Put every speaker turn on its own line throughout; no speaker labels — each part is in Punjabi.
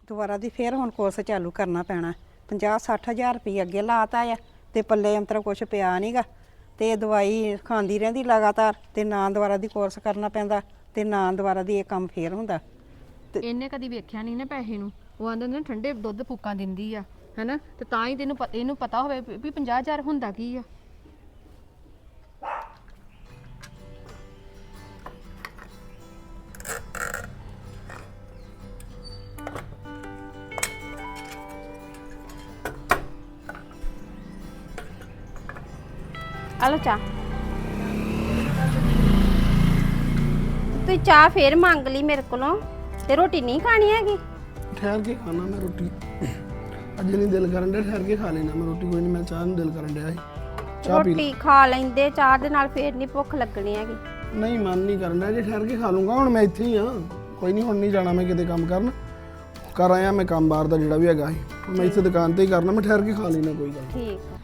ਦੁਬਾਰਾ ਦੀ ਫੇਰ ਹੁਣ ਕੋਰਸ ਚਾਲੂ ਕਰਨਾ ਪੈਣਾ 50-60 ਹਜ਼ਾਰ ਰੁਪਏ ਅੱਗੇ ਲਾਤਾ ਆ ਤੇ ਪੱਲੇ ਅੰਤਰ ਕੁਛ ਪਿਆ ਨਹੀਂਗਾ ਤੇ ਦਵਾਈ ਖਾਂਦੀ ਰਹਿੰਦੀ ਲਗਾਤਾਰ ਤੇ ਨਾ ਦੁਬਾਰਾ ਦੀ ਕੋਰਸ ਕਰਨਾ ਪੈਂਦਾ ਤੇ ਨਾ ਦੁਬਾਰਾ ਦੀ ਇਹ ਕੰਮ ਫੇਰ ਹੁੰਦਾ।
ਇਹਨੇ ਕਦੀ ਵੇਖਿਆ ਨਹੀਂ ਨਾ ਪੈਸੇ ਨੂੰ। ਉਹ ਆਂਦੇ ਨੇ ਠੰਡੇ ਦੁੱਧ ਫੂਕਾਂ ਦਿੰਦੀ ਆ ਹੈਨਾ, ਤੇ ਤਾਂ ਹੀ ਇਹਨੂੰ ਪਤਾ ਹੋਵੇ ਵੀ 50,000 ਹੁੰਦਾ ਕੀ ਆ।
ਆਲੋ ਚਾਹ। ਤੂੰ ਚਾਹ ਫੇਰ ਮੰਗ ਲਈ ਮੇਰੇ ਕੋਲੋਂ ਤੇ ਰੋਟੀ ਨਹੀਂ ਖਾਣੀ ਹੈਗੀ।
ਠਹਿਰ ਕੇ ਖਾਣਾ ਮੈਂ ਰੋਟੀ, ਅੱਜ ਨਹੀਂ ਦਿਲ ਕਰਨ ਡਿਆ, ਠਹਿਰ ਕੇ ਖਾ ਲੈਣਾ ਮੈਂ ਰੋਟੀ, ਕੋਈ ਨਹੀਂ ਮੈਂ ਚਾਹ ਨੂੰ ਦਿਲ ਕਰਨ ਡਿਆ ਸੀ। ਚਾਹ ਪੀ
ਰੋਟੀ ਖਾ ਲੈਂਦੇ, ਚਾਹ ਦੇ ਨਾਲ ਫੇਰ ਨਹੀਂ ਭੁੱਖ ਲੱਗਣੀ ਹੈਗੀ।
ਨਹੀਂ ਮਨ ਨਹੀਂ ਕਰਨ ਡਿਆ, ਜੇ ਠਹਿਰ ਕੇ ਖਾ ਲੂੰਗਾ। ਹੁਣ ਮੈਂ ਇੱਥੇ ਹੀ ਆ, ਕੋਈ ਨਹੀਂ, ਹੁਣ ਨਹੀਂ ਜਾਣਾ ਮੈਂ ਕਿਤੇ ਕੰਮ ਕਰਨ, ਕਰ ਆਇਆ ਮੈਂ ਕੰਮ ਬਾਹਰ ਦਾ ਜਿਹੜਾ ਵੀ ਹੈਗਾ ਸੀ, ਮੈਂ ਇੱਥੇ ਦੁਕਾਨ ਤੇ ਹੀ ਕਰਨਾ, ਮੈਂ ਠਹਿਰ ਕੇ ਖਾ ਲੈਣਾ ਕੋਈ ਗੱਲ।
ਠੀਕ ਆ।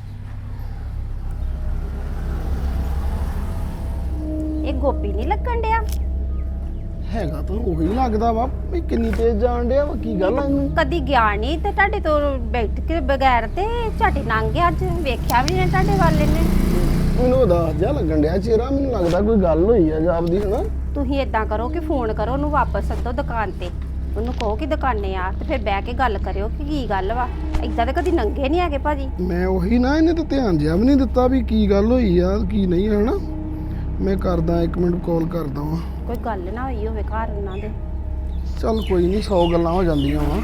ਇਹ ਗੋਪੀ ਨਹੀਂ ਲੱਗਣ ਡਿਆ
ਹੈਗਾ ਤਾਂ ਉਹੀ ਲੱਗਦਾ ਵਾ ਵੀ ਕਿੰਨੀ ਤੇਜ਼ ਜਾਣ ਡਿਆ ਵਾ, ਕੀ ਗੱਲ ਆ ਇਹਨੂੰ?
ਕਦੀ ਗਿਆ ਨਹੀਂ ਤੇ ਤੁਹਾਡੇ ਤੋਂ ਬੈਠ ਕੇ ਬਗੈਰ ਤੇ ਝਾਟੀ ਲੰਘ ਗਿਆ, ਅੱਜ ਵੇਖਿਆ ਵੀ ਨਹੀਂ ਤੁਹਾਡੇ ਵਾਲੇ ਨੇ।
ਮੈਨੂੰ ਉਦਾਸ ਜਿਹਾ ਲੱਗਣ ਡਿਆ ਚਿਹਰਾ, ਮੈਨੂੰ ਲੱਗਦਾ ਕੋਈ ਗੱਲ ਹੋਈ ਆ ਜਾਪਦੀ ਹਨਾ।
ਤੁਸੀਂ ਇਦਾਂ ਕਰੋ ਕਿ ਫੋਨ ਕਰੋ ਉਹਨੂੰ, ਵਾਪਸ ਸੱਦੋ ਦੁਕਾਨ ਤੇ, ਉਹਨੂੰ ਕਹੋ ਕਿ ਦੁਕਾਨੇ ਆ ਤੇ ਫਿਰ ਬਹਿ ਕੇ ਗੱਲ ਕਰਿਓ ਕਿ ਕੀ ਗੱਲ ਵਾ। ਏਦਾਂ ਤਾਂ ਕਦੀ ਨੰਗੇ ਨਹੀਂ ਹੈਗੇ ਭਾਜੀ।
ਮੈਂ ਉਹੀ ਨਾ, ਇਹਨੇ ਤਾਂ ਧਿਆਨ ਜਿਹਾ ਵੀ ਨਹੀਂ ਦਿੱਤਾ ਵੀ ਕੀ ਗੱਲ ਹੋਈ ਆ ਕੀ ਨਹੀਂ ਹਨਾ। ਮੈਂ ਕਰਦਾ 1 ਮਿੰਟ ਕਾਲ ਕਰਦਾ ਵਾਂ।
ਕੋਈ ਗੱਲ ਨਾ ਹੋਈ ਹੋਵੇ ਘਰ ਉਹਨਾਂ ਦੇ।
ਚੱਲ ਕੋਈ ਨਹੀਂ, 100 ਗੱਲਾਂ ਹੋ ਜਾਂਦੀਆਂ ਵਾ।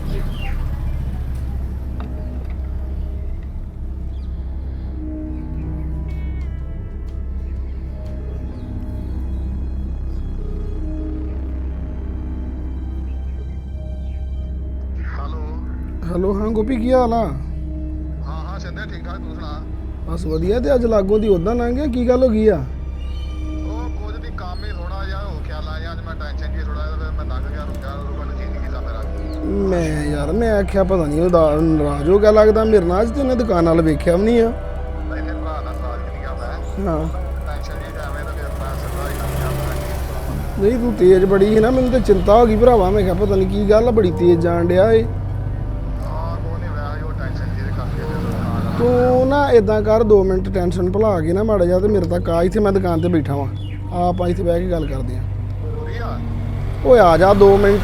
ਹੈਲੋ ਹਾਂ ਗੋਪੀ, ਕੀ ਹਾਲ ਆ?
ਹਾਂ ਸਿੰਧਿਆ ਠੀਕ ਠਾਕ, ਤੂੰ ਸੁਣਾ?
ਬਸ ਵਧੀਆ। ਤੇ ਅੱਜ ਲਾਗੋਂ ਦੀ ਉਦਾਂ ਲੰਘ ਗਿਆ, ਕੀ ਗੱਲ ਹੋ ਗਈ ਆ?
ਉਹ ਕੁਝ ਦੀ ਕੰਮ ਹੀ ਥੋੜਾ ਜਿਹਾ ਹੋ ਖਿਆਲ ਆ, ਅੱਜ ਮੈਂ ਟੈਨਸ਼ਨ ਜੀ ਥੋੜਾ ਜਿਹਾ, ਫਿਰ ਮੈਂ ਲੰਘ ਗਿਆ, ਰੁਕਿਆ ਰੁਕਣ ਜੀ ਨਹੀਂ ਕੀਤਾ ਮੇਰਾ।
ਮੈਂ ਯਾਰ ਮੈਂ ਆਖਿਆ ਪਤਾ ਨਹੀਂ ਉਹਦਾ ਨਾਰਾਜ਼ ਹੋ ਗਿਆ ਲੱਗਦਾ ਮੇਰੇ ਨਾਲ, ਅੱਜ ਤੇ ਉਹਨੇ ਦੁਕਾਨ ਨਾਲ ਵੇਖਿਆ ਵੀ ਨਹੀਂ ਆ।
ਇਹਨੇ ਭਰਾ ਦਾ ਸਾਥ ਨਹੀਂ ਗਿਆ ਮੈਂ,
ਹਾਂ
ਟੈਨਸ਼ਨ ਜੀ ਐਵੇਂ ਤਾਂ ਫਿਰ ਮੈਂ ਸਿੱਧਾ ਹੀ ਕੰਮ ਕਰਦਾ।
ਨਹੀਂ ਤੂੰ ਤੇਜ਼ ਬੜੀ ਸੀ ਨਾ, ਮੈਨੂੰ ਤੇ ਚਿੰਤਾ ਹੋ ਗਈ ਭਰਾਵਾ। ਮੈਂ ਕਿਹਾ ਪਤਾ ਨਹੀਂ ਕੀ ਗੱਲ ਆ, ਬੜੀ ਤੇਜ਼ ਜਾਣ ਡਿਆ ਏ।
ਹਾਂ ਕੋਈ ਨਹੀਂ ਵੈਸੇ ਉਹ ਟੈਨਸ਼ਨ ਜੀ ਦੇ ਕਰਕੇ ਫਿਰ ਦੁਕਾਨ ਆ।
ਤੂੰ ਨਾ ਇਦਾਂ ਕਰ, 2 ਮਿੰਟ ਟੈਨਸ਼ਨ ਭੁਲਾ ਕੇ ਨਾ ਮਾੜਾ ਜਿਹਾ ਤੇ ਮੇਰੇ ਤੱਕ ਆ, ਇੱਥੇ ਮੈਂ ਦੁਕਾਨ ਤੇ ਬੈਠਾ ਵਾਂ, ਆਪਾਂ ਇੱਥੇ ਬਹਿ ਕੇ ਗੱਲ ਕਰਦੇ ਆਂ।
ਜ਼ਰੂਰੀ ਆ?
ਓਏ ਆ ਜਾ 2 ਮਿੰਟ।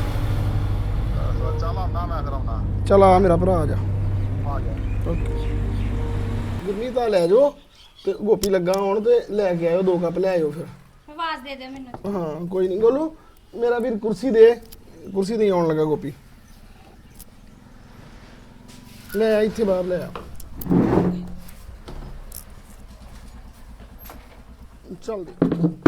ਚੱਲ ਆਉਂਦਾ ਮੈਂ ਫਿਰ ਆਉਂਦਾ।
ਚੱਲ ਆ ਮੇਰਾ ਭਰਾ ਆ ਜਾ।
ਆ ਗਿਆ।
ਓਕੇ ਗੁਰਮੀਤ ਆ ਲੈ ਜਾਓ, ਤੇ ਗੋਪੀ ਲੱਗਾ ਆਉਣ ਤੇ ਲੈ ਕੇ ਆਇਓ 2 ਕੱਪ ਲੈ ਆਇਓ ਫਿਰ।
ਆਵਾਜ਼ ਦੇ ਦੇ ਮੈਨੂੰ।
ਹਾਂ ਕੋਈ ਨਹੀਂ ਗੋਲੂ, ਮੇਰਾ ਵੀਰ ਕੁਰਸੀ ਦੇ, ਕੁਰਸੀ ਤੇ ਆਉਣ ਲੱਗਾ ਗੋਪੀ। ਲੈ ਆ ਇੱਥੇ ਬਾਹਰ ਲੈ ਆ। ਚੱਲ ਦੇ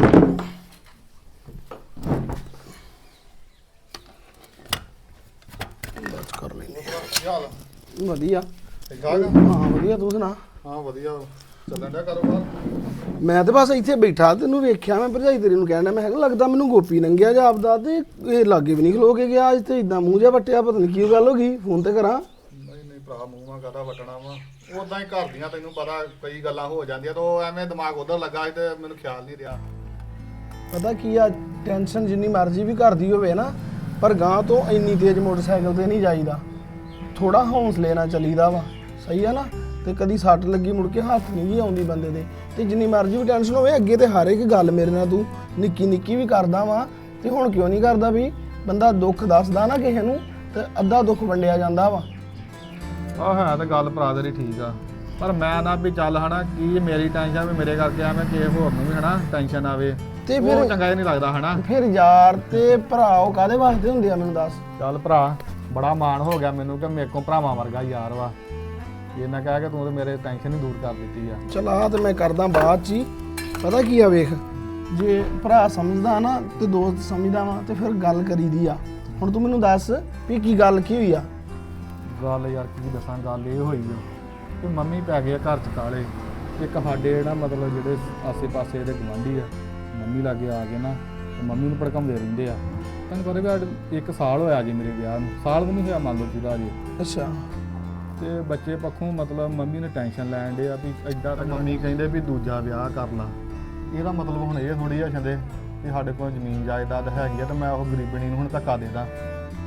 ਬਸ ਕਰ ਲੈਨੇ
ਕੀ ਹਾਲ ਆ?
ਵਧੀਆ।
ਠੀਕ ਠਾਕ ਆ?
ਹਾਂ ਵਧੀਆ, ਤੂੰ ਸੁਣਾ?
ਹਾਂ ਵਧੀਆ, ਚੱਲਣ ਡਿਆ ਕਾਰੋਬਾਰ?
ਮੈਂ ਤੇ ਬਸ ਇੱਥੇ ਬੈਠਾ, ਤੈਨੂੰ ਵੇਖਿਆ ਮੈਂ ਭਰਜਾਈ ਤੇਰੀ ਨੂੰ ਕਹਿਣਾ, ਮੈਂ ਕਿਹਾ ਲੱਗਦਾ ਮੈਨੂੰ ਗੋਪੀ ਲੰਘਿਆ ਜਾਪਦਾ, ਤੇ ਇਹ ਲਾਗੇ ਵੀ ਨਹੀਂ ਖਲੋ ਕੇ ਗਿਆ ਅੱਜ, ਤੇ ਇਦਾਂ ਮੂੰਹ ਜਿਹਾ ਵੱਟਿਆ, ਪਤਾ ਨਹੀਂ ਕੀ ਗੱਲ ਹੋ ਗਈ। ਫੋਨ ਤੇ ਕਰਾਂ?
ਨਹੀਂ ਭਰਾ, ਮੂੰਹ ਮਾ ਕਾਹਦਾ ਵਟਣਾ ਵਾ, ਉਦਾਂ ਹੀ ਘਰ ਦੀਆਂ ਤੈਨੂੰ ਪਤਾ ਕਈ ਗੱਲਾਂ ਹੋ ਜਾਂਦੀਆਂ, ਤੇ ਉਹ ਐਵੇਂ ਦਿਮਾਗ ਉਧਰ ਲੱਗਾ ਸੀ ਤੇ ਮੈਨੂੰ ਖਿਆਲ ਨਹੀਂ ਰਿਹਾ।
ਪਤਾ ਕੀ ਆ, ਟੈਨਸ਼ਨ ਜਿੰਨੀ ਮਰਜ਼ੀ ਵੀ ਕਰਦੀ ਹੋਵੇ ਨਾ, ਪਰ ਗਾਂ ਤੋਂ ਇੰਨੀ ਤੇਜ਼ ਮੋਟਰਸਾਈਕਲ ਤੇ ਨਹੀਂ ਜਾਈਦਾ, ਥੋੜਾ ਹੌਸਲੇ ਨਾਲ ਚੱਲੀਦਾ ਵਾ, ਸਹੀ ਆ ਨਾ। ਤੇ ਕਦੀ ਸੱਟ ਲੱਗੀ ਮੁੜ ਕੇ ਹੱਥ ਨਹੀਂ ਜੀ ਆਉਂਦੀ ਬੰਦੇ ਦੇ। ਤੇ ਜਿੰਨੀ ਮਰਜ਼ੀ ਵੀ ਟੈਨਸ਼ਨ ਹੋਵੇ, ਅੱਗੇ ਤੇ ਹਰ ਇੱਕ ਗੱਲ ਮੇਰੇ ਨਾਲ ਤੂੰ ਨਿੱਕੀ ਨਿੱਕੀ ਵੀ ਕਰਦਾ ਵਾ, ਤੇ ਹੁਣ ਕਿਉਂ ਨਹੀਂ ਕਰਦਾ? ਵੀ ਬੰਦਾ ਦੁੱਖ ਦੱਸਦਾ ਨਾ ਕਿਸੇ ਨੂੰ, ਤੇ ਅੱਧਾ ਦੁੱਖ ਵੰਡਿਆ ਜਾਂਦਾ ਵਾ।
ਆਹ ਹੈ ਤਾਂ ਗੱਲ ਭਰਾ ਤੇਰੀ ਠੀਕ ਆ, ਪਰ ਮੈਂ ਨਾ ਵੀ ਚੱਲ ਹਨਾ, ਕੀ ਮੇਰੀ ਟੈਨਸ਼ਨ ਵੀ ਮੇਰੇ ਕਰਕੇ ਐਵੇਂ ਕਿਸੇ ਹੋਰ ਨੂੰ ਵੀ ਹਨਾ ਟੈਨਸ਼ਨ ਆਵੇ,
ਤੇ
ਉਹ
ਫਿਰ
ਚੰਗਾ ਨਹੀਂ ਲੱਗਦਾ ਹਨਾ।
ਫਿਰ ਯਾਰ ਤੇ ਭਰਾ ਉਹ ਕਾਹਦੇ ਵਾਸਤੇ ਹੁੰਦੇ ਆ, ਮੈਨੂੰ ਦੱਸ।
ਚੱਲ ਭਰਾ, ਬੜਾ ਮਾਣ ਹੋ ਗਿਆ ਮੈਨੂੰ ਕਿ ਮੇਰੇ ਕੋਲ ਭਰਾਵਾਂ ਵਰਗਾ ਯਾਰ ਵਾ, ਇਹ ਮੈਂ ਕਹਿ ਕੇ ਤੂੰ ਤੇ ਮੇਰੇ ਟੈਨਸ਼ਨ ਹੀ ਦੂਰ ਕਰ ਦਿੱਤੀ ਆ।
ਚਲ ਆ ਤੇ ਮੈਂ ਕਰਦਾ ਬਾਅਦ ਚ ਹੀ। ਪਤਾ ਕੀ ਆ, ਵੇਖ ਜੇ ਭਰਾ ਸਮਝਦਾ ਨਾ ਤੇ ਦੋਸਤ ਸਮਝਦਾ ਵਾ, ਤੇ ਫਿਰ ਗੱਲ ਕਰੀਦੀ ਆ। ਹੁਣ ਤੂੰ ਮੈਨੂੰ ਦੱਸ ਵੀ ਕੀ ਗੱਲ ਕੀ ਹੋਈ ਆ?
ਗੱਲ ਯਾਰ ਕੀ ਦੱਸਾਂ, ਗੱਲ ਇਹ ਹੋਈ ਆ ਕਿ ਮੰਮੀ ਪੈ ਗਏ ਘਰ ਚ ਕਾਲੇ। ਇੱਕ ਸਾਡੇ ਜਿਹੜਾ ਮਤਲਬ ਜਿਹੜੇ ਆਸੇ ਪਾਸੇ ਦੇ ਗੁਆਂਢੀ ਆ, ਮੰਮੀ ਲਾਗੇ ਆ ਕੇ ਨਾ ਤੇ ਮੰਮੀ ਨੂੰ ਭੜਕਾਉਂਦੇ ਰਹਿੰਦੇ ਆ। ਤੈਨੂੰ ਪਤਾ ਵੀ 1 ਸਾਲ ਹੋਇਆ ਜੀ ਮੇਰੇ ਵਿਆਹ ਨੂੰ, ਸਾਲ ਵੀ ਨਹੀਂ ਹੋਇਆ ਮੰਨ ਲਓ ਜਿਹਦਾ ਜੀ।
ਅੱਛਾ।
ਤੇ ਬੱਚੇ ਪੱਖੋਂ ਮਤਲਬ ਮੰਮੀ ਨੇ ਟੈਨਸ਼ਨ ਲੈਣ ਡੇ ਆ ਵੀ ਐਡਾ, ਤਾਂ ਮੰਮੀ ਕਹਿੰਦੇ ਵੀ ਦੂਜਾ ਵਿਆਹ ਕਰ ਲਾ। ਇਹਦਾ ਮਤਲਬ ਹੁਣ ਇਹ ਥੋੜੀ ਆ ਛੰਦੇ ਵੀ ਸਾਡੇ ਕੋਲ ਜ਼ਮੀਨ ਜਾਇਦਾਦ ਹੈਗੀ ਆ ਤੇ ਮੈਂ ਉਹ ਗਰੀਬਣੀ ਨੂੰ ਹੁਣ ਧੱਕਾ ਦੇ ਦਾਂ।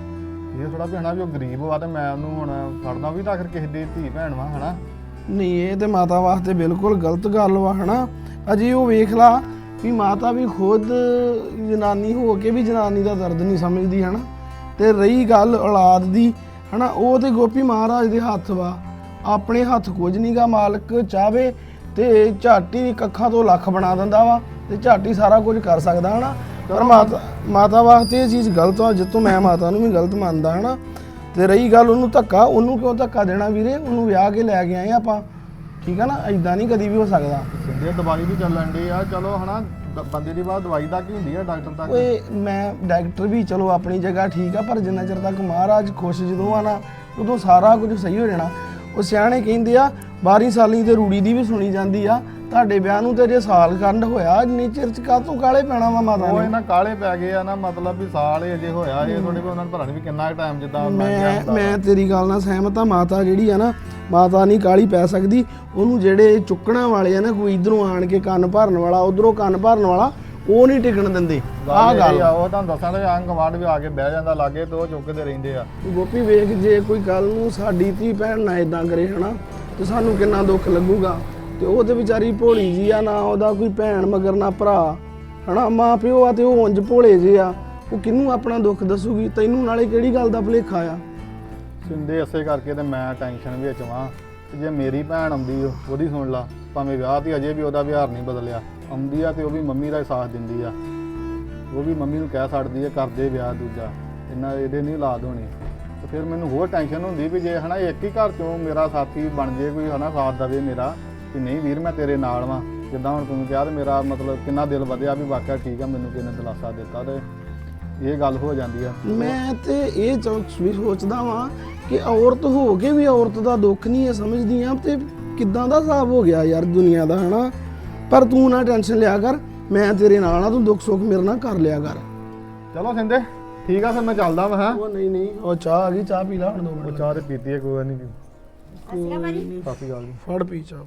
ਇਹ ਥੋੜਾ ਵੀ ਹਨਾ ਵੀ ਉਹ ਗਰੀਬ ਵਾ ਤੇ ਮੈਂ ਉਹਨੂੰ ਹੁਣ ਫੜਦਾ ਵੀ ਤਾਂ ਆਖਰ ਕਿਸੇ ਦੀ ਧੀ ਭੈਣ ਵਾ ਹਨਾ।
ਨਹੀਂ ਇਹ ਤੇ ਮਾਤਾ ਵਾਸਤੇ ਬਿਲਕੁਲ ਗਲਤ ਗੱਲ ਵਾ ਹਨਾ। ਅਜੇ ਉਹ ਵੇਖ ਲਾ ਵੀ ਮਾਤਾ ਵੀ ਖੁਦ ਜਨਾਨੀ ਹੋ ਕੇ ਵੀ ਜਨਾਨੀ ਦਾ ਦਰਦ ਨਹੀਂ ਸਮਝਦੀ ਹਨਾ। ਤੇ ਰਹੀ ਗੱਲ ਔਲਾਦ ਦੀ ਹਨਾ, ਉਹ ਤੇ ਗੋਪੀ ਮਹਾਰਾਜ ਦੇ ਹੱਥ ਵਾ, ਆਪਣੇ ਹੱਥ ਕੁਝ ਨਹੀਂਗਾ। ਮਾਲਕ ਚਾਵੇ ਤੇ ਝਾਟੀ ਕੱਖਾਂ ਤੋਂ ਲੱਖ ਬਣਾ ਦਿੰਦਾ ਵਾ ਤੇ ਝਾਟੀ ਸਾਰਾ ਕੁਝ ਕਰ ਸਕਦਾ ਹਨਾ। ਪਰ ਮਾਤਾ ਵਾਸਤੇ ਇਹ ਚੀਜ਼ ਗਲਤ ਆ, ਜਿੱਤੋਂ ਮੈਂ ਮਾਤਾ ਨੂੰ ਵੀ ਗਲਤ ਮੰਨਦਾ ਹਨਾ। ਤੇ ਰਹੀ ਗੱਲ ਉਹਨੂੰ ਧੱਕਾ, ਉਹਨੂੰ ਕਿਉਂ ਧੱਕਾ ਦੇਣਾ ਵੀਰੇ? ਉਹਨੂੰ ਵਿਆਹ ਕੇ ਲੈ ਕੇ ਆਏ ਆਪਾਂ, ਠੀਕ ਆ ਨਾ। ਐਦਾਂ ਨਹੀਂ ਕਦੀ ਵੀ ਹੋ ਸਕਦਾ।
ਸਿੰਦੇ ਦਵਾਈ ਵੀ ਚੱਲਣ ਦੀ ਆ, ਚਲੋ ਹਨਾ ਬੰਦੇ ਦੀ ਬਾਤ ਦਵਾਈ ਤੱਕ ਹੀ ਹੁੰਦੀ ਆ, ਡਾਕਟਰ ਤੱਕ।
ਓਏ ਮੈਂ ਡਾਕਟਰ ਵੀ ਚਲੋ ਆਪਣੀ ਜਗ੍ਹਾ ਠੀਕ ਆ, ਪਰ ਜਿੰਨਾ ਚਿਰ ਤੱਕ ਮਹਾਰਾਜ ਖੁਸ਼ ਜਦੋਂ ਆ ਨਾ, ਉਦੋਂ ਸਾਰਾ ਕੁਝ ਸਹੀ ਹੋ ਜਾਣਾ। ਉਹ ਸਿਆਣੇ ਕਹਿੰਦੇ ਆ 12 ਸਾਲੀ ਤੇ ਰੂੜੀ ਦੀ ਵੀ ਸੁਣੀ ਜਾਂਦੀ ਆ। ਤੁਹਾਡੇ ਵਿਆਹ ਨੂੰ ਤੇ ਜੇ ਸਾਲ ਖੰਡ ਹੋਇਆ, ਇੰਨੀ ਚਿਰ ਚ ਕਾਹਤੋਂ ਕਾਲੇ ਪੈਣਾ ਵਾ ਮਾਤਾ
ਉਹ
ਨੇ?
ਇਹਨਾਂ ਕਾਲੇ ਪੈ ਗਏ ਆ ਨਾ, ਮਤਲਬ ਵੀ ਸਾਲ ਹੀ ਅਜੇ ਹੋਇਆ ਇਹ ਥੋੜੇ ਵੀ ਉਹਨਾਂ ਨੂੰ ਪਤਾ ਨਹੀਂ ਵੀ ਕਿੰਨਾ ਟਾਈਮ ਜਿੱਦਾਂ
ਮੈਂ ਤੇਰੀ ਗੱਲ ਨਾਲ ਸਹਿਮਤ ਆ। ਮਾਤਾ ਜਿਹੜੀ ਆ ਨਾ, ਮਾਤਾ ਨਹੀਂ ਕਾਲੀ ਪੈ ਸਕਦੀ। ਉਹਨੂੰ ਜਿਹੜੇ ਚੁੱਕਣਾ ਵਾਲੇ ਆ ਨਾ, ਕੋਈ ਇਧਰੋਂ ਆਣ ਕੇ ਕੰਨ ਭਰਨ ਵਾਲਾ, ਉਧਰੋਂ ਕੰਨ ਭਰਨ ਵਾਲਾ, ਉਹ ਨਹੀਂ ਟਿਕਣ ਦਿੰਦੇ। ਆਹ ਗੱਲ
ਆ, ਉਹ ਤੁਹਾਨੂੰ ਦੱਸਾਂ ਤੇ ਆਂਗ ਗਵਾਂਢ ਵੀ ਆ ਕੇ ਬਹਿ ਜਾਂਦਾ ਲਾਗੇ ਤੇ ਉਹ ਚੁੱਕਦੇ ਰਹਿੰਦੇ ਆ।
ਗੋਪੀ ਵੇਖ, ਜੇ ਕੋਈ ਕੱਲ ਨੂੰ ਸਾਡੀ ਧੀ ਭੈਣ ਨਾ ਇਦਾਂ ਕਰੇ ਹਨਾ, ਤੇ ਸਾਨੂੰ ਕਿੰਨਾ ਦੁੱਖ ਲੱਗੂਗਾ। ਤੇ ਉਹ ਤੇ ਵਿਚਾਰੀ ਭੋਲੀ ਜੀ ਆ, ਨਾ ਉਹਦਾ ਕੋਈ ਭੈਣ ਮਗਰ ਨਾ ਭਰਾ ਹਨਾ, ਮਾਂ ਪਿਓ ਆ ਤੇ ਉਹ ਉਂਝ ਭੋਲੇ ਜੇ ਆ। ਉਹ ਕਿਹਨੂੰ ਆਪਣਾ ਦੁੱਖ ਦੱਸੂਗੀ? ਤੈਨੂੰ ਨਾਲੇ ਕਿਹੜੀ ਗੱਲ ਦਾ ਭੁਲੇਖਾ ਆ?
ਸਿੰਦੇ ਇਸੇ ਕਰਕੇ ਤੇ ਮੈਂ ਟੈਨਸ਼ਨ ਵਿੱਚ ਵਾਂ। ਤੇ ਜੇ ਮੇਰੀ ਭੈਣ ਆਉਂਦੀ ਉਹਦੀ ਸੁਣ ਲਾ, ਭਾਵੇਂ ਵਿਆਹ ਤੇ ਅਜੇ ਵੀ ਉਹਦਾ ਵਿਹਾਰ ਨਹੀਂ ਬਦਲਿਆ, ਆਉਂਦੀ ਆ ਤੇ ਉਹ ਵੀ ਮੰਮੀ ਦਾ ਸਾਥ ਦਿੰਦੀ ਆ। ਉਹ ਵੀ ਮੰਮੀ ਨੂੰ ਕਹਿ ਛੱਡਦੀ ਆ ਕਰਦੇ ਵਿਆਹ ਦੂਜਾ, ਇਹਦੇ ਨਹੀਂ ਔਲਾਦ ਹੋਣੀ। ਤੇ ਫਿਰ ਮੈਨੂੰ ਹੋਰ ਟੈਨਸ਼ਨ ਹੁੰਦੀ ਵੀ ਜੇ ਹਨਾ ਇੱਕ ਹੀ ਘਰ ਚੋਂ ਮੇਰਾ ਸਾਥੀ ਬਣ ਜੇ, ਕੋਈ ਹਨਾ ਸਾਥ ਦੇਵੇ ਮੇਰਾ, ਕਿ ਨਹੀਂ ਵੀਰ ਮੈਂ ਤੇਰੇ ਨਾਲ ਵਾਂ। ਜਿੱਦਾਂ ਹੁਣ ਤੂੰ ਕਿਹਾ ਤੇ ਮੇਰਾ ਮਤਲਬ ਕਿੰਨਾ ਦਿਲ ਵਧਿਆ ਵੀ ਵਾਕਿਆ ਠੀਕ ਆ, ਮੈਨੂੰ ਕਿਸੇ ਨੇ ਦਿਲਾਸਾ ਦਿੱਤਾ ਤੇ ਇਹ ਗੱਲ ਹੋ ਜਾਂਦੀ ਆ।
ਮੈਂ ਤੇ ਇਹ ਵੀ ਸੋਚਦਾ ਵਾਂ ਕਿ ਔਰਤ ਹੋ ਕੇ ਵੀ ਔਰਤ ਦਾ ਦੁੱਖ ਨਹੀਂ ਇਹ ਸਮਝਦੀ ਆ। ਤੇ ਕਿੱਦਾਂ ਦਾ ਹਿਸਾਬ ਹੋ ਗਿਆ ਯਾਰ ਦੁਨੀਆ ਦਾ ਹਨਾ। ਪਰ ਤੂੰ ਨਾ ਟੈਨਸ਼ਨ ਲਿਆ ਕਰ, ਮੈਂ ਤੇਰੇ ਨਾਲ ਆ, ਤੂੰ ਦੁੱਖ ਸੁੱਖ ਮੇਰੇ ਨਾਲ ਕਰ ਲਿਆ ਕਰ।
ਚਲੋ ਸਿੰਦੇ ਠੀਕ ਆ, ਫਿਰ ਮੈਂ ਚੱਲਦਾ ਵਾ। ਹਾਂ
ਉਹ ਨਹੀਂ, ਉਹ ਚਾਹ ਆ ਗਈ, ਚਾਹ ਪੀ ਲਾ ਹੁਣ 2
ਉਹ
ਮਿੰਟ।
ਚਾਹ ਤੇ ਪੀਤੀ ਹੈ, ਕੋਈ ਨਹੀਂ। ਕਾਫੀ ਗੱਲ ਨਹੀਂ।
ਫੜ ਪੀ ਚਾਹ।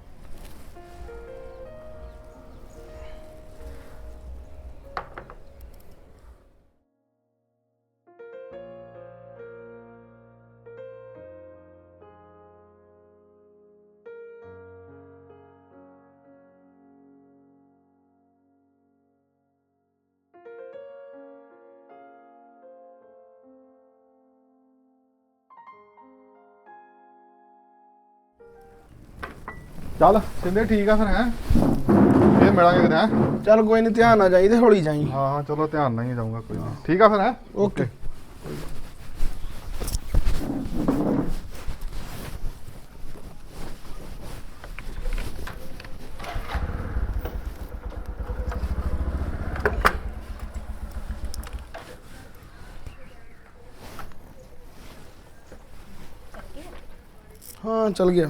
ਚੱਲ ਸਿੰਦੇ ਠੀਕ ਆ ਫਿਰ। ਹੈ ਇਹ ਮਿਲਾਂਗੇ ਕਿਤੇ। ਹੈ
ਚੱਲ ਕੋਈ ਨਹੀਂ, ਧਿਆਨ ਨਾਲ ਜਾਈ ਤੇ ਹੌਲੀ ਜਾਈ।
ਹਾਂ ਚਲੋ ਧਿਆਨ ਨਾਲ ਹੀ ਜਾਊਂਗਾ, ਕੋਈ ਨਹੀਂ। ਠੀਕ ਆ ਫਿਰ। ਹੈ
ਓਕੇ। ਹਾਂ ਚਲ ਗਿਆ।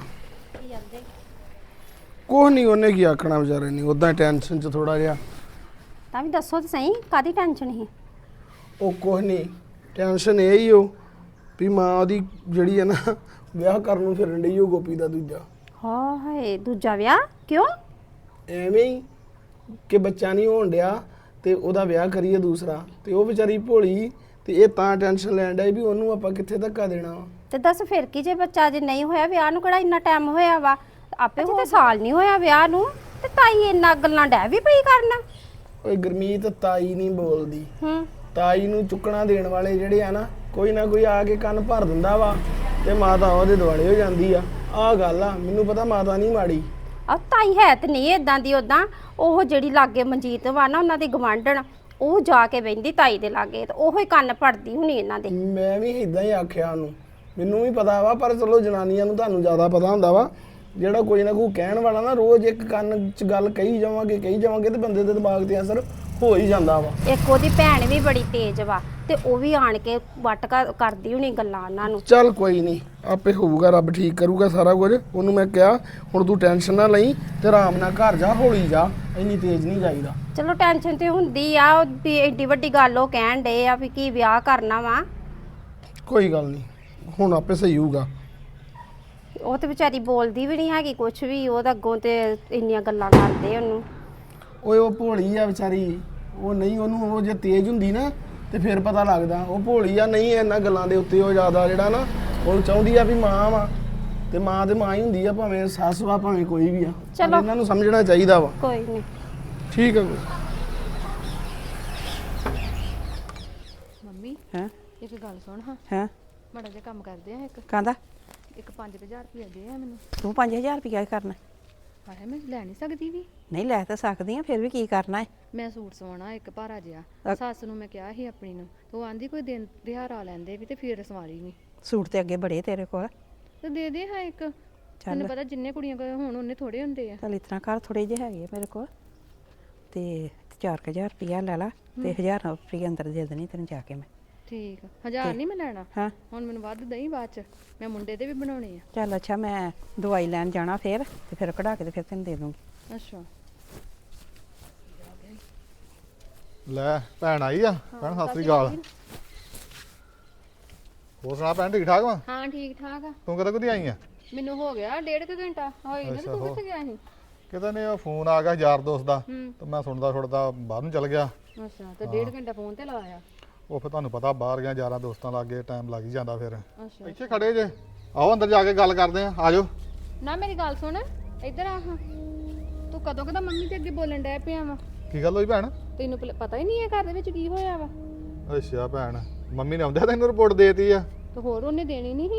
ਕੁਛ ਨਹੀਂ, ਉਹਨੇ ਕੀ ਆਖਣਾ ਵਿਚਾਰੇ ਨੇ, ਉਦਾਂ ਟੈਨਸ਼ਨ ਚ ਥੋੜਾ ਜਿਹਾ।
ਤਾਂ ਵੀ ਦੱਸੋ ਤੇ ਸਹੀ, ਕਾਦੀ ਟੈਨਸ਼ਨ ਸੀ?
ਉਹ ਕੁਛ ਨਹੀਂ, ਟੈਨਸ਼ਨ ਇਹ ਹੀ ਹੋ ਵੀ ਮਾਂ ਉਹਦੀ ਜਿਹੜੀ ਹੈ ਨਾ, ਵਿਆਹ ਕਰਨ ਨੂੰ ਫਿਰਨ ਡਈ ਉਹ ਗੋਪੀ ਦਾ ਦੂਜਾ।
ਹਾਂ ਹਾਏ, ਦੂਜਾ ਵਿਆਹ ਕਿਉਂ?
ਐਵੇਂ ਹੀ ਕਿ ਬੱਚਾ ਨਹੀਂ ਹੋਣ ਡਿਆ ਤੇ ਉਹਦਾ ਵਿਆਹ ਕਰੀਏ ਦੂਸਰਾ। ਤੇ ਉਹ ਵਿਚਾਰੀ ਭੋਲੀ, ਤੇ ਇਹ ਤਾਂ ਟੈਨਸ਼ਨ ਲੈਣ ਡਈ ਵੀ ਉਹਨੂੰ ਆਪਾਂ ਕਿੱਥੇ ਧੱਕਾ ਦੇਣਾ ਵਾ।
ਤੇ ਦੱਸ ਫਿਰ ਕੀ, ਜੇ ਬੱਚਾ ਜੇ ਨਹੀਂ ਹੋਇਆ, ਵਿਆਹ ਨੂੰ ਕਿਹੜਾ ਇੰਨਾ ਟਾਈਮ ਹੋਇਆ ਵਾ? ਆਪੇ ਤੇ ਸਾਲ ਨਹੀਂ ਹੋਇਆ ਵਿਆਹ ਨੂੰ, ਤੇ ਤਾਈ ਇੰਨਾ ਗੱਲਾਂ ਡੈ ਵੀ ਪਈ ਕਰਨਾ।
ਓਏ ਗੁਰਮੀਤ, ਤਾਈ ਨਹੀਂ ਬੋਲਦੀ। ਤਾਈ ਨੂੰ ਚੁੱਕਣਾ ਦੇਣ ਵਾਲੇ ਜਿਹੜੇ ਆ ਨਾ, ਕੋਈ ਨਾ ਕੋਈ ਆ ਕੇ ਕੰਨ ਭਰ ਦਿੰਦਾ ਵਾ ਤੇ ਮਾਤਾ ਉਹਦੇ ਦੁਆਲੇ ਹੋ ਜਾਂਦੀ ਆ। ਆਹ ਗੱਲ ਆ, ਮੈਨੂੰ ਪਤਾ ਮਾਤਾ ਨਹੀਂ ਮਾੜੀ।
ਆ ਤਾਈ ਹੈ ਤੇ ਨਹੀਂ ਇਦਾਂ ਦੀ। ਉਦਾਂ ਉਹ ਜਿਹੜੀ ਲਾਗੇ ਮਨਜੀਤ ਵਾ ਨਾ, ਉਹਨਾਂ ਦੀ ਗਵਾਂਢਣ, ਉਹ ਜਾ ਕੇ ਬਹਿੰਦੀ ਤਾਈ ਦੇ ਲਾਗੇ ਤੇ ਉਹੋ ਹੀ ਕੰਨ ਭਰਦੀ ਹੁਣੀ ਇਹਨਾਂ ਦੇ।
ਮੈਂ ਵੀ ਇਦਾਂ ਹੀ ਆਖਿਆ ਉਹਨੂੰ, ਮੈਨੂੰ ਵੀ ਪਤਾ ਵਾ। ਪਰ ਚਲੋ ਜਨਾਨੀਆਂ ਨੂੰ ਤੁਹਾਨੂੰ ਜ਼ਿਆਦਾ ਪਤਾ ਹੁੰਦਾ ਵਾ। ਜਿਹੜਾ ਕੋਈ ਨਾ ਕੋਈ ਕਹਿਣ ਵਾਲਾ ਨਾ, ਰੋਜ਼ ਇੱਕ ਕੰਨ 'ਚ ਗੱਲ ਕਹੀ ਜਾਵਾਂਗੇ ਤੇ ਬੰਦੇ ਦੇ ਦਿਮਾਗ ਤੇ ਅਸਰ ਹੋ ਹੀ ਜਾਂਦਾ ਵਾ।
ਇੱਕ ਉਹਦੀ ਭੈਣ ਵੀ ਬੜੀ ਤੇਜ਼ ਵਾ, ਤੇ ਉਹ ਵੀ ਆਣ ਕੇ ਵੱਟ ਕਰਦੀ ਹੁਣੀ ਗੱਲਾਂ ਉਹਨਾਂ ਨੂੰ।
ਚੱਲ ਕੋਈ ਨਹੀਂ, ਆਪੇ ਹੋਊਗਾ, ਰੱਬ ਠੀਕ ਕਰੂਗਾ ਸਾਰਾ ਕੁਝ। ਉਹਨੂੰ ਮੈਂ ਕਿਹਾ ਹੁਣ ਤੂੰ ਟੈਨਸ਼ਨ ਨਾ ਲਈ ਤੇ ਆਰਾਮ ਨਾਲ ਘਰ ਜਾ, ਹੌਲੀ ਜਾ, ਇੰਨੀ ਤੇਜ਼ ਨਹੀਂ ਜਾਈਦਾ।
ਚਲੋ ਟੈਨਸ਼ਨ ਤੇ ਹੁੰਦੀ ਆ, ਉਹ ਵੀ ਏਡੀ ਵੱਡੀ ਗੱਲ ਉਹ ਕਹਿਣ ਡੇ ਆ ਵੀ ਕੀ ਵਿਆਹ ਕਰਨਾ ਵਾ।
ਕੋਈ ਗੱਲ ਨਹੀਂ, ਹੁਣ ਆਪੇ ਸਹੀ ਹੋਊਗਾ।
ਉਹ ਤੇ ਵਿਚਾਰੀ ਬੋਲਦੀ ਵੀ ਨਹੀਂ ਹੈਗੀ ਕੁਛ ਵੀ, ਉਹ ਤਾਂ ਅੱਗੋਂ ਤੇ ਇੰਨੀਆਂ ਗੱਲਾਂ ਕਰਦੇ ਉਹਨੂੰ।
ਓਏ ਉਹ ਭੋਲੀ ਆ ਵਿਚਾਰੀ, ਉਹ ਨਹੀਂ, ਉਹਨੂੰ ਉਹ ਜੇ ਤੇਜ਼ ਹੁੰਦੀ ਨਾ ਤੇ ਫਿਰ ਪਤਾ ਲੱਗਦਾ ਉਹ ਭੋਲੀ ਆ ਨਹੀਂ ਇਹਨਾਂ ਗੱਲਾਂ ਦੇ ਉੱਤੇ ਉਹ ਜ਼ਿਆਦਾ ਜਿਹੜਾ ਨਾ ਉਹ ਚਾਹੁੰਦੀ ਆ ਵੀ ਮਾਂ ਵਾ ਤੇ ਮਾਂ ਤੇ ਮਾਂ ਹੀ ਹੁੰਦੀ ਆ ਭਾਵੇਂ ਸੱਸ ਵਾ ਭਾਵੇਂ ਕੋਈ ਵੀ ਆ ਪਰ
ਚਲੋ।
ਇਹਨਾਂ ਨੂੰ ਸਮਝਣਾ ਚਾਹੀਦਾ ਵਾ
ਕੋਈ ਨਹੀਂ।
ਠੀਕ ਆ ਕੋਈ
ਮੰਮੀ
ਹੈ
ਇੱਕ ਗੱਲ ਸੁਣ ਹਾਂ
ਹੈ
ਮਾੜਾ ਜਿਹਾ ਕੰਮ ਕਰਦੇ ਆ
ਕਹਿੰਦਾ
ਇੱਕ 5000 ਰੁਪਏ ਦੇ ਆ ਮੈਨੂੰ
ਤੂੰ 5000 ਰੁਪਇਆ ਕਰਨਾ
ਹਾਏ ਮੈਂ ਲੈ ਨਹੀਂ ਸਕਦੀ ਵੀ
ਨਹੀਂ ਲੈ ਤਾਂ ਸਕਦੀ ਆ ਫਿਰ ਵੀ ਕੀ ਕਰਨਾ ਹੈ
ਮੈਂ ਸੂਟ ਸਵਾਉਣਾ ਇੱਕ ਭਾਰਾ ਜਿਹਾ ਸੱਸ ਨੂੰ ਮੈਂ ਕਿਹਾ ਸੀ ਆਪਣੀ ਨੂੰ ਤੇ ਉਹ ਆਂਦੀ ਕੋਈ ਦਿਨ ਤਿਉਹਾਰ ਆ ਲੈਂਦੇ ਵੀ ਤੇ ਫਿਰ ਸਵਾਰੀ ਨਹੀਂ
ਸੂਟ ਤੇ ਅੱਗੇ ਬੜੇ ਤੇਰੇ ਕੋਲ
ਤੇ ਦੇ ਦੇ ਹਾਂ ਇੱਕ ਤੈਨੂੰ ਪਤਾ ਜਿੰਨੇ ਕੁੜੀਆਂ ਕੋਲ ਹੁਣ ਉਹਨੇ ਥੋੜੇ ਹੁੰਦੇ ਆ
ਚੱਲ ਇਤਨਾ ਕਰ ਥੋੜੇ ਜਿਹੇ ਹੈਗੇ ਆ ਮੇਰੇ ਕੋਲ ਤੇ 4000 ਰੁਪਇਆ ਲੈ ਲਾ ਤੇ 1000 ਰੁਪਇਆ ਅੰਦਰ ਦੇ ਦੇਣੀ ਤੈਨੂੰ ਜਾ ਕੇ ਮੈਂ
ਠੀਕ 1000 ਨਹੀਂ ਮੈਂ ਲੈਣਾ
ਹਾਂ
ਹੁਣ ਮੈਨੂੰ ਵੱਧ ਦਈ ਬਾਅਦ ਚ ਮੈਂ ਮੁੰਡੇ ਦੇ ਵੀ ਬਣਾਉਣੇ ਆ
ਚੱਲ ਅੱਛਾ ਮੈਂ ਦਵਾਈ ਲੈਣ ਜਾਣਾ ਫਿਰ ਤੇ ਫਿਰ ਕਢਾ ਕੇ ਤੇ ਫਿਰ ਤੈਨੂੰ ਦੇ ਦੂੰਗੀ
ਅੱਛਾ
ਲੈ ਭੈਣ ਆਈ ਆ ਭੈਣ ਸਤਿ ਸ੍ਰੀ ਅਕਾਲ ਹੋਰ ਸੁਣਾ ਭੈਣ ਠੀਕ ਠਾਕ ਵਾ
ਹਾਂ ਠੀਕ ਠਾਕ ਆ
ਤੂੰ ਕਦੋਂ ਕਦੀ ਆਈ ਆ
ਮੈਨੂੰ ਹੋ ਗਿਆ 1.5 ਘੰਟਾ ਹੋਈ ਨਾ ਤੂੰ ਕਿੱਥੇ ਗਿਆ ਸੀ
ਕਿਤੇ ਨੇ ਉਹ ਫੋਨ ਆ ਗਿਆ ਯਾਰ ਦੋਸਤ ਦਾ
ਹੂੰ
ਤੇ ਮੈਂ ਸੁਣਦਾ ਬਾਹਰ ਨੂੰ ਚਲ ਗਿਆ
ਅੱਛਾ ਤੇ 1.5 ਘੰਟਾ ਫੋਨ ਤੇ ਲਾਇਆ
ਉਹ ਫਿਰ ਤੁਹਾਨੂੰ ਪਤਾ ਬਾਹਰ ਗਿਆ ਯਾਰਾਂ ਦੋਸਤਾਂ ਲਾਗੇ ਟਾਈਮ ਲੱਗ ਹੀ ਜਾਂਦਾ ਫਿਰ
ਅੱਛਾ
ਇੱਥੇ ਖੜੇ ਜੇ ਆਓ ਅੰਦਰ ਜਾ ਕੇ ਗੱਲ ਕਰਦੇ ਆ ਆਜੋ
ਨਾ ਮੇਰੀ ਗੱਲ ਸੁਣ ਇੱਧਰ ਆ ਹਾਂ ਤੂੰ ਕਦੋਂ ਕਦਾ ਮੰਮੀ ਦੇ ਅੱਗੇ ਬੋਲਣ ਡੈ ਪਿਆ ਵਾ
ਕੀ ਗੱਲ ਹੋਈ ਭੈਣ
ਤੈਨੂੰ ਪਤਾ ਹੀ ਨਹੀਂ ਹੈ ਘਰ ਦੇ ਵਿੱਚ ਕੀ ਹੋਇਆ ਵਾ
ਅੱਛਾ ਭੈਣ ਮੰਮੀ ਨੇ ਆਉਂਦਿਆਂ ਤੈਨੂੰ ਰਿਪੋਰਟ ਦੇਤੀ ਆ
ਤੇ ਹੋਰ ਉਹਨੇ ਦੇਣੀ ਨਹੀਂ ਸੀ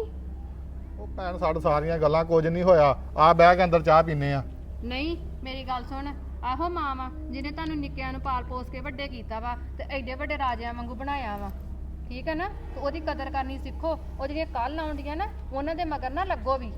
ਉਹ ਭੈਣ ਸਾਡੇ ਸਾਰੀਆਂ ਗੱਲਾਂ ਕੁਝ ਨਹੀਂ ਹੋਇਆ ਆ ਬਹਿ ਕੇ ਅੰਦਰ ਚਾਹ ਪੀਨੇ ਆ
ਨਹੀਂ ਮੇਰੀ ਗੱਲ ਸੁਣ ਆਹੋ ਮਾਂ ਵਾ ਜਿਹਨੇ ਤੁਹਾਨੂੰ ਨਿੱਕਿਆਂ ਨੂੰ ਪਾਲ ਪੋਸ ਕੇ ਵੱਡੇ ਕੀਤਾ ਵਾ ਤੇ ਐਡੇ ਵੱਡੇ ਰਾਜਿਆਂ ਵਾਂਗੂ ਬਣਾਇਆ ਵਾ ਠੀਕ ਹੈ ਨਾ ਤੇ ਉਹਦੀ ਕਦਰ ਕਰਨੀ ਸਿੱਖੋ ਉਹ ਜਿਹੜੀਆਂ ਕੱਲ ਆਉਂਦੀਆਂ ਨਾ ਉਹਨਾਂ ਦੇ ਮਗਰ ਨਾ ਲੱਗੋ ਵੀ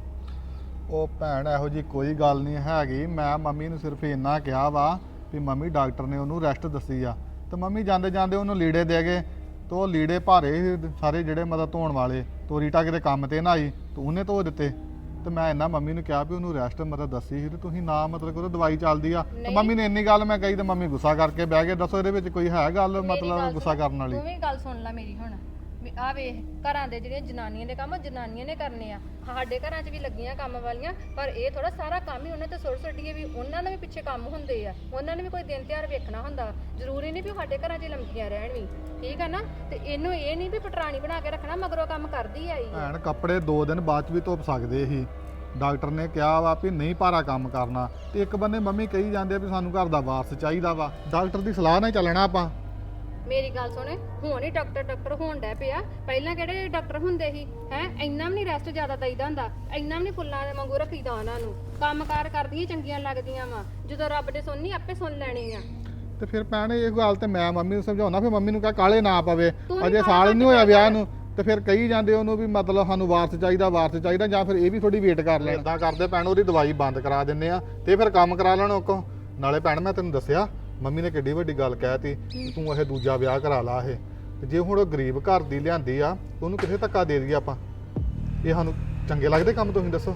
ਉਹ ਭੈਣ ਇਹੋ ਜੀ ਕੋਈ ਗੱਲ ਨਹੀਂ ਹੈਗੀ ਮੈਂ ਮੰਮੀ ਨੂੰ ਸਿਰਫ ਇੰਨਾ ਕਿਹਾ ਵਾ ਵੀ ਮੰਮੀ ਡਾਕਟਰ ਨੇ ਉਹਨੂੰ ਰੈਸਟ ਦੱਸੀ ਆ ਤੇ ਮੰਮੀ ਜਾਂਦੇ ਜਾਂਦੇ ਉਹਨੂੰ ਲੀੜੇ ਦੇ ਗਏ ਤੇ ਉਹ ਲੀੜੇ ਭਾਰੇ ਸੀ ਸਾਰੇ ਜਿਹੜੇ ਮਤਲਬ ਧੋਣ ਵਾਲੇ ਤੋਰੀ ਟਾ ਕਿਤੇ ਕੰਮ ਤੇ ਨਾ ਆਈ ਤੇ ਉਹਨੇ ਧੋ ਦਿੱਤੇ ਤੇ ਮੈਂ ਇੰਨਾ ਮੰਮੀ ਨੂੰ ਕਿਹਾ ਵੀ ਉਹਨੂੰ ਰੈਸਟ ਮਤਲਬ ਦੱਸੀ ਸੀ ਤੇ ਤੁਸੀਂ ਨਾ ਮਤਲਬ ਕਿ ਉਹ ਦਵਾਈ ਚੱਲਦੀ ਆ ਤੇ ਮੰਮੀ ਨੇ ਇੰਨੀ ਗੱਲ ਮੈਂ ਕਹੀ ਤੇ ਮੰਮੀ ਗੁੱਸਾ ਕਰਕੇ ਬਹਿ ਗਏ ਦੱਸੋ ਇਹਦੇ ਵਿੱਚ ਕੋਈ ਹੈ ਗੱਲ ਮਤਲਬ ਗੁੱਸਾ ਕਰਨ ਵਾਲੀ
ਤੂੰ ਵੀ ਗੱਲ ਸੁਣ ਲੈ ਮੇਰੀ ਹੁਣ ਵੀ ਆ ਵੇਖ ਘਰਾਂ ਦੇ ਜਿਹੜੇ ਜਨਾਨੀਆਂ ਦੇ ਕੰਮ ਉਹ ਜਨਾਨੀਆਂ ਨੇ ਕਰਨੇ ਆ ਸਾਡੇ ਘਰਾਂ 'ਚ ਵੀ ਲੱਗੀਆਂ ਕੰਮ ਵਾਲੀਆਂ ਪਰ ਇਹ ਥੋੜਾ ਸਾਰਾ ਕੰਮ ਹੀ ਉਹਨਾਂ ਤੇ ਸੁੱਟ ਸੁੱਟੀਏ ਵੀ ਉਹਨਾਂ ਨੂੰ ਵੀ ਪਿੱਛੇ ਕੰਮ ਹੁੰਦੇ ਆ ਉਹਨਾਂ ਨੇ ਵੀ ਕੋਈ ਦਿਨ ਤਿਉਹਾਰ ਵੇਖਣਾ ਹੁੰਦਾ ਜ਼ਰੂਰੀ ਨਹੀਂ ਵੀ ਸਾਡੇ ਘਰਾਂ 'ਚ ਹੀ ਲੰਮਕੀਆਂ ਰਹਿਣ ਵੀ ਠੀਕ ਆ ਨਾ ਤੇ ਇਹਨੂੰ ਇਹ ਨਹੀਂ ਵੀ ਪਟਰਾਣੀ ਬਣਾ ਕੇ ਰੱਖਣਾ ਮਗਰੋਂ ਕੰਮ ਕਰਦੀ ਆਈ ਆ
ਭੈਣ ਕੱਪੜੇ 2 ਦਿਨ ਬਾਅਦ ਚ ਵੀ ਧੁੱਪ ਸਕਦੇ ਸੀ ਡਾਕਟਰ ਨੇ ਕਿਹਾ ਵਾ ਵੀ ਨਹੀਂ ਭਾਰਾ ਕੰਮ ਕਰਨਾ ਤੇ ਇੱਕ ਬੰਨੇ ਮੰਮੀ ਕਹੀ ਜਾਂਦੇ ਆ ਵੀ ਸਾਨੂੰ ਘਰ ਦਾ ਵਾਰਸ ਚਾਹੀਦਾ ਵਾ ਡਾਕਟਰ ਦੀ ਸਲਾਹ ਨਾਲ ਚੱਲਣਾ ਆਪਾਂ
ਮੇਰੀ ਗੱਲ ਸੁਣ ਹੁਣ ਹੀ ਡਾਕਟਰ ਹੋਣ ਡੈ ਪਿਆ ਪਹਿਲਾਂ ਕਿਹੜੇ ਡਾਕਟਰ ਹੁੰਦੇ ਸੀ ਹੈ ਇੰਨਾ ਵੀ ਨਹੀਂ ਰੈਸਟ ਜ਼ਿਆਦਾ ਦਈਦਾ ਹੁੰਦਾ ਇੰਨਾ ਵੀ ਨਹੀਂ ਫੁੱਲਾਂ ਦੇ ਵਾਂਗੂ ਰੱਖੀਦਾ ਉਹਨਾਂ ਨੂੰ ਕੰਮਕਾਰ ਕਰਦੀਆਂ ਚੰਗੀਆਂ ਲੱਗਦੀਆਂ ਵਾ ਜਦੋਂ ਰੱਬ ਨੇ ਸੁਣਨੀ ਆਪੇ ਸੁਣ ਲੈਣੀ ਆ
ਤੇ ਫਿਰ ਭੈਣ ਇਹ ਗੱਲ ਤੇ ਮੈਂ ਮੰਮੀ ਨੂੰ ਸਮਝਾਉਣਾ ਫਿਰ ਮੰਮੀ ਨੂੰ ਕਹਾ ਕਾਲੇ ਨਾ ਪਵੇ ਅਜੇ ਸਾਲ ਹੀ ਨਹੀਂ ਹੋਇਆ ਵਿਆਹ ਨੂੰ ਤੇ ਫਿਰ ਕਹੀ ਜਾਂਦੇ ਉਹਨੂੰ ਵੀ ਮਤਲਬ ਸਾਨੂੰ ਵਾਰਸ ਚਾਹੀਦਾ ਜਾਂ ਫਿਰ ਇਹ ਵੀ ਥੋੜੀ ਵੇਟ ਕਰ ਲੈਣ ਇਦਾਂ ਕਰਦੇ ਭੈਣ ਉਹਦੀ ਦਵਾਈ ਬੰਦ ਕਰਾ ਦਿੰਨੇ ਆ ਤੇ ਫਿਰ ਕੰਮ ਕਰਾ ਲੈਣ ਉਹ ਨਾਲੇ ਭੈਣ ਮੈਂ ਤੈਨੂੰ ਦੱਸਿਆ ਮੰਮੀ ਨੇ ਕਿੱਡੀ ਵੱਡੀ ਗੱਲ ਕਹਿਤੀ ਤੂੰ ਇਹ ਦੂਜਾ ਵਿਆਹ ਕਰਾ ਲਾ ਇਹ ਤੇ ਜੇ ਹੁਣ ਉਹ ਗਰੀਬ ਘਰ ਦੀ ਲਿਆਂਦੀ ਆ ਉਹਨੂੰ ਕਿੱਥੇ ਧੱਕਾ ਦੇ ਦਈਏ ਆਪਾਂ ਇਹ ਸਾਨੂੰ ਚੰਗੇ ਲੱਗਦੇ ਕੰਮ ਤੁਸੀਂ ਦੱਸੋ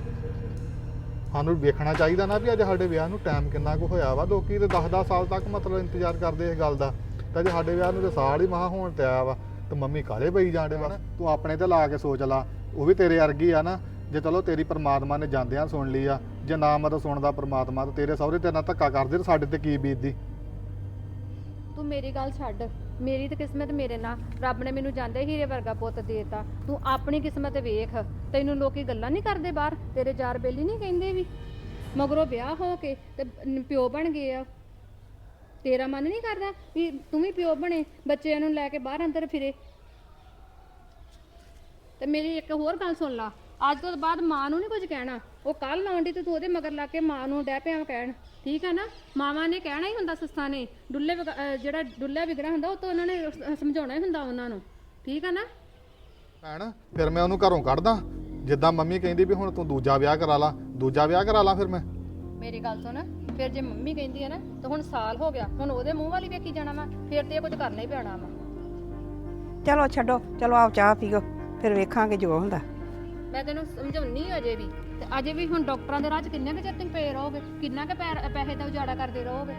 ਸਾਨੂੰ ਵੇਖਣਾ ਚਾਹੀਦਾ ਨਾ ਵੀ ਅੱਜ ਸਾਡੇ ਵਿਆਹ ਨੂੰ ਟਾਈਮ ਕਿੰਨਾ ਕੁ ਹੋਇਆ ਵਾ ਲੋਕੀ ਤੇ 10-10 ਸਾਲ ਤੱਕ ਮਤਲਬ ਇੰਤਜ਼ਾਰ ਕਰਦੇ ਇਸ ਗੱਲ ਦਾ ਤੇ ਜੇ ਸਾਡੇ ਵਿਆਹ ਨੂੰ ਤੇ ਸਾਲ ਹੀ ਮਹਾ ਹੋਣ ਤੇ ਆਇਆ ਵਾ ਤੇ ਮੰਮੀ ਕਾਲੇ ਪਈ ਜਾਂਦੇ ਵਾ ਤੂੰ ਆਪਣੇ ਤੇ ਲਾ ਕੇ ਸੋਚ ਲਾ ਉਹ ਵੀ ਤੇਰੇ ਵਰਗੀ ਆ ਨਾ ਜੇ ਚਲੋ ਤੇਰੀ ਪਰਮਾਤਮਾ ਨੇ ਜਾਂਦਿਆਂ ਸੁਣ ਲਈ ਆ ਜੇ ਨਾ ਮਤਲਬ ਸੁਣਦਾ ਪਰਮਾਤਮਾ ਤੇ ਤੇਰੇ ਸਹੁਰੇ ਤੇ ਨਾ ਧੱਕਾ ਕਰਦੇ ਤੇ ਸਾਡੇ ਤੇ ਕੀ ਬੀਤਦੀ
ਤੂੰ ਮੇਰੀ ਗੱਲ ਛੱਡ ਮੇਰੀ ਤੇ ਕਿਸਮਤ ਮੇਰੇ ਨਾਲ ਰੱਬ ਨੇ ਮੈਨੂੰ ਜਾਂਦੇ ਹੀਰੇ ਵਰਗਾ ਪੁੱਤ ਦੇਤਾ ਤੂੰ ਆਪਣੀ ਕਿਸਮਤ ਵੇਖ ਤੈਨੂੰ ਲੋਕੀ ਗੱਲਾਂ ਨਹੀਂ ਕਰਦੇ ਬਾਹਰ ਤੇਰੇ ਯਾਰ ਬੇਲੀ ਨਹੀਂ ਕਹਿੰਦੇ ਵੀ ਮਗਰੋਂ ਵਿਆਹ ਹੋ ਕੇ ਤੇ ਪਿਓ ਬਣ ਗਏ ਆ ਤੇਰਾ ਮਨ ਨਹੀਂ ਕਰਦਾ ਵੀ ਤੂੰ ਵੀ ਪਿਓ ਬਣੇ ਬੱਚਿਆਂ ਨੂੰ ਲੈ ਕੇ ਬਾਹਰ ਅੰਦਰ ਫਿਰੇ ਤੇ ਮੇਰੀ ਇੱਕ ਹੋਰ ਗੱਲ ਸੁਣ ਲਾ ਅੱਜ ਤੋਂ ਬਾਅਦ ਮਾਂ ਨੂੰ ਨਹੀਂ ਕੁਝ ਕਹਿਣਾ ਉਹ ਕੱਲ ਆਉਂਦੀ ਤੇ ਤੂੰ ਉਹਦੇ ਮਗਰ ਲਾ ਕੇ ਮਾਂ ਨੂੰ ਡੈ ਪਿਆ ਕਹਿਣ ਠੀਕ ਹੈ ਨਾ ਮਾਵਾਂ ਨੇ ਕਹਿਣਾ ਹੀ ਹੁੰਦਾ ਸੱਸਾਂ ਨੇ ਜਿਹੜਾ ਡੁੱਲਾ ਵਿਗੜਾ ਹੁੰਦਾ ਉਹ ਤਾਂ ਉਹਨਾਂ ਨੇ ਸਮਝਾਉਣਾ ਹੀ ਹੁੰਦਾ ਉਹਨਾਂ ਨੂੰ ਠੀਕ ਹੈ ਨਾ
ਭੈਣ ਫਿਰ ਮੈਂ ਉਹਨੂੰ ਘਰੋਂ ਕੱਢਦਾ ਜਿੱਦਾਂ ਮੰਮੀ ਕਹਿੰਦੀ ਵੀ ਹੁਣ ਤੂੰ ਦੂਜਾ ਵਿਆਹ ਕਰਾ ਲਾ ਫਿਰ ਮੈਂ
ਮੇਰੀ ਗੱਲ ਸੁਣ ਫਿਰ ਜੇ ਮੰਮੀ ਕਹਿੰਦੀ ਹੈ ਨਾ ਤਾਂ ਹੁਣ ਸਾਲ ਹੋ ਗਿਆ ਹੁਣ ਉਹਦੇ ਮੂੰਹ ਵਾਲੀ ਵੇਖੀ ਜਾਣਾ ਵਾ ਫਿਰ ਤੇ ਇਹ ਕੁਝ ਕਰਨਾ ਹੀ ਪੈਣਾ ਵਾ
ਚਲੋ ਛੱਡੋ ਚਲੋ ਆਪ ਚਾਹ ਪੀਓ ਫਿਰ ਵੇਖਾਂਗੇ ਜੋ ਹੁੰਦਾ
ਮੈਂ ਤੈਨੂੰ ਸਮਝਾਉਣੀ ਅਜੇ ਵੀ ਤੇ ਅਜੇ ਵੀ ਹੁਣ ਡਾਕਟਰਾਂ ਦੇ ਰਾਹ 'ਚ ਕਿੰਨੇ ਕੁ ਚਿਰ ਤੁਸੀਂ ਪਏ ਰਹੋਗੇ ਕਿੰਨਾ ਕੁ ਪੈਸੇ ਦਾ ਉਜਾੜਾ ਕਰਦੇ ਰਹੋਗੇ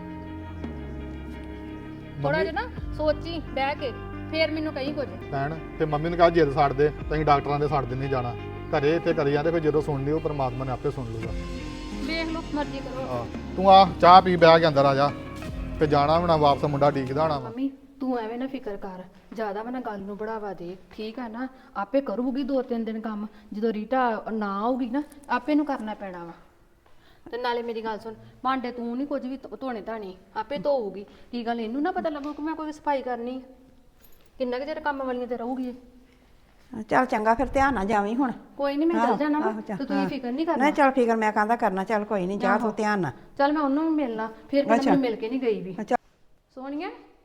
ਥੋੜਾ ਜਿਹਾ ਨਾ ਸੋਚੀ ਬਹਿ ਕੇ ਫੇਰ ਮੈਨੂੰ ਕਹੀਂ ਕੁਝ
ਭੈਣ ਤੇ ਮੰਮੀ ਨੂੰ ਕਹਾ ਜਿੱਦ ਛੱਡ ਦੇ ਤੇ ਅਸੀਂ ਡਾਕਟਰਾਂ ਦੇ ਛੱਡ ਦਿੰਨੇ ਜਾਣਾ ਘਰੇ ਇੱਥੇ ਕਰੀ ਜਾਂਦੇ ਫਿਰ ਜਦੋਂ ਸੁਣ ਲਈ ਉਹ ਪਰਮਾਤਮਾ ਨੇ ਆਪੇ ਸੁਣ ਲੂਗਾ
ਵੇਖ ਲਓ ਮਰਜ਼ੀ ਕਰੋ
ਤੂੰ ਆ ਚਾਹ ਪੀ ਬਹਿ ਕੇ ਅੰਦਰ ਆ ਜਾ ਤੇ ਜਾਣਾ ਹੁਣ ਵਾਪਸ ਮੁੰਡਾ ਡੀਕਦਾ ਹੋਣਾ ਵਾ
ਮੰਮੀ ਤੂੰ ਐਵੇਂ ਨਾ ਫਿਕਰ ਕਰ, ਜ਼ਿਆਦਾ ਵਾ ਨਾ ਗੱਲ ਨੂੰ ਬੜਾਵਾ ਦੇ, ਠੀਕ ਆ ਨਾ? ਆਪੇ ਕਰੂਗੀ 2-3 ਦਿਨ ਕੰਮ, ਜਦੋਂ ਰੀਟਾ ਨਾ ਆਊਗੀ ਨਾ ਆਪੇ ਨੂੰ ਕਰਨਾ ਪੈਣਾ ਵਾ। ਤੇ ਨਾਲੇ ਮੇਰੀ ਗੱਲ ਸੁਣ, ਭਾਂਡੇ ਤੂੰ ਨਹੀਂ ਕੁਝ ਵੀ ਧੋਣੇ ਧਾਣੇ, ਆਪੇ ਧੋਊਗੀ। ਕੀ ਗੱਲ ਇਹਨੂੰ ਨਾ ਪਤਾ ਲੱਗੂ ਕਿ ਮੈਂ ਕੋਈ ਸਫਾਈ ਕਰਨੀ ਆ? ਕਿੰਨਾ ਕੁ ਚਿਰ ਕੰਮ ਵਾਲੀਆਂ ਤੇ ਰਹੂਗੀ ਇਹ?
ਚੱਲ ਚੰਗਾ, ਫਿਰ ਧਿਆਨ ਨਾਲ ਜਾਵੀਂ ਹੁਣ।
ਕੋਈ ਨਹੀਂ, ਮੈਂ ਚੱਲ ਜਾਣਾ ਵਾ,
ਆਹੋ, ਚੱਲ,
ਤੇ ਤੁਸੀਂ ਫਿਕਰ ਨਹੀਂ ਕਰਨਾ।
ਨਹੀਂ ਚੱਲ ਫਿਕਰ ਮੈਂ ਕਹਿੰਦਾ ਕਰਨਾ, ਚੱਲ ਕੋਈ ਨਹੀਂ, ਜਾ ਤੂੰ ਧਿਆਨ ਨਾਲ।
ਚੱਲ ਮੈਂ ਉਹਨੂੰ ਵੀ ਮਿਲਣਾ, ਫਿਰ ਕਿਤੇ ਮੈਨੂੰ ਮਿਲ ਕੇ ਨਹੀਂ ਗਈ ਵੀ।
ਅੱਛਾ
ਸੋਨੀਆ,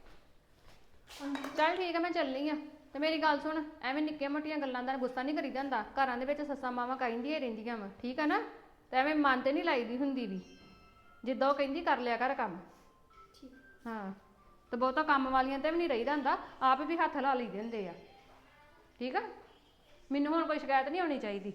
ਚੱਲ ਠੀਕ ਆ, ਮੈਂ ਚੱਲੀ ਆ। ਤੇ ਮੇਰੀ ਗੱਲ ਸੁਣ, ਐਵੇਂ ਨਿੱਕੀਆਂ ਮੋਟੀਆਂ ਗੱਲਾਂ ਦਾ ਗੁੱਸਾ ਨਹੀਂ ਕਰੀਦਾ ਹੁੰਦਾ। ਘਰਾਂ ਦੇ ਵਿੱਚ ਸੱਸਾਂ ਮਾਵਾਂ ਕਹਿੰਦੀਆਂ ਰਹਿੰਦੀਆਂ ਵਾ, ਠੀਕ ਆ ਨਾ? ਤੇ ਐਵੇਂ ਮਨ ਤੇ ਨਹੀਂ ਲਾਈਦੀ ਹੁੰਦੀ ਵੀ, ਜਿੱਦਾਂ ਉਹ ਕਹਿੰਦੀ ਕਰ ਲਿਆ ਕਰ ਕੰਮ। ਹਾਂ, ਤੇ ਬਹੁਤਾ ਕੰਮ ਵਾਲੀਆਂ ਤੇ ਵੀ ਨਹੀਂ ਰਹੀਦਾ ਹੁੰਦਾ, ਆਪ ਵੀ ਹੱਥ ਲਾ ਲਈਦੇ ਹੁੰਦੇ ਆ, ਠੀਕ ਆ? ਮੈਨੂੰ ਹੁਣ ਕੋਈ ਸ਼ਿਕਾਇਤ ਨਹੀਂ ਹੋਣੀ ਚਾਹੀਦੀ।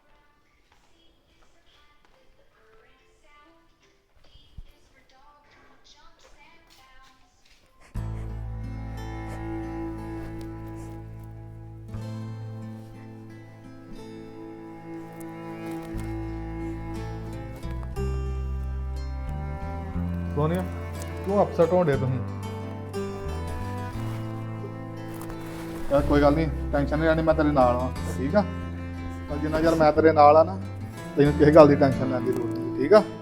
ਸੋਨੀਆ, ਤੂੰ ਅਪਸੈਟ ਹੋਣ ਡੇ ਤੁਸੀਂ? ਯਾਰ ਕੋਈ ਗੱਲ ਨਹੀਂ, ਟੈਨਸ਼ਨ ਨਹੀਂ ਲੈਣੀ, ਮੈਂ ਤੇਰੇ ਨਾਲ ਆ, ਠੀਕ ਆ? ਪਰ ਜਿੰਨਾ ਚਿਰ ਮੈਂ ਤੇਰੇ ਨਾਲ ਆ ਨਾ, ਤੈਨੂੰ ਕਿਸੇ ਗੱਲ ਦੀ ਟੈਨਸ਼ਨ ਲੈਣ ਦੀ ਲੋੜ ਨਹੀਂ, ਠੀਕ ਆ?